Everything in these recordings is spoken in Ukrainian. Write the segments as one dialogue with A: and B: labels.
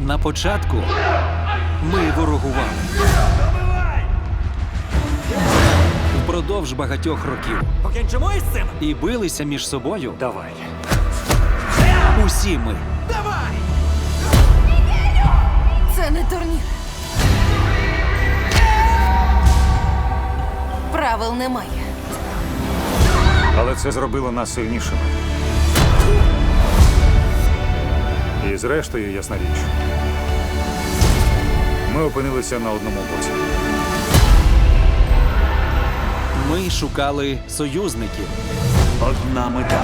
A: На початку ми ворогували. Впродовж багатьох років.
B: Покінчимо із цим?
A: І билися між собою
B: Давай.
A: усі ми.
B: Давай!
C: Це не турнір. Правил немає.
D: Але це зробило нас сильнішими. І зрештою, ясна річ, ми опинилися на одному боці.
A: Ми шукали союзників.
B: Одна мета.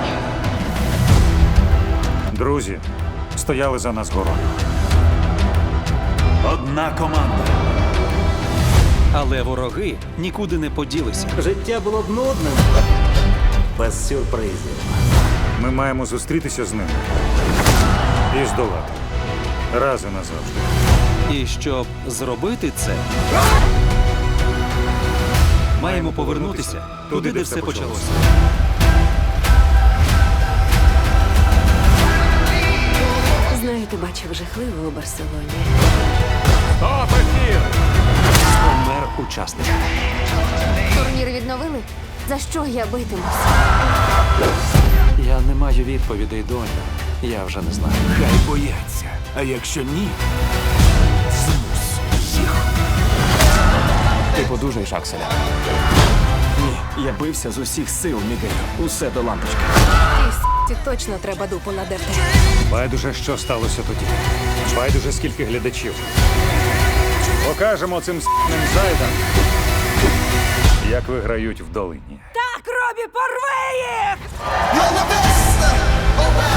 D: Друзі стояли за нас горою.
B: Одна команда.
A: Але вороги нікуди не поділися.
B: Життя було б нудним. Без сюрпризів.
D: Ми маємо зустрітися з ними і здолати. Раз і назавжди.
A: І щоб зробити це, маємо повернутися туди, де все почалося.
C: Знаєте, бачив жахливо у Барселоні.
A: Помер учасник.
C: Турнір відновили? За що я битимусь?
A: Я не маю відповідей, доню. Я вже не знаю.
B: Хай бояться. А якщо ні, змус їх.
E: Ти подужаєш, Акселя?
B: Ні, я бився з усіх сил, Мігелю. Усе до лампочки.
C: Ті точно треба дупу надерти.
D: Байдуже, що сталося тоді. Байдуже, скільки глядачів. Покажемо цим с**ним зайдам, як виграють в долині.
C: Так, Робі, порви їх!
F: You're the best, oh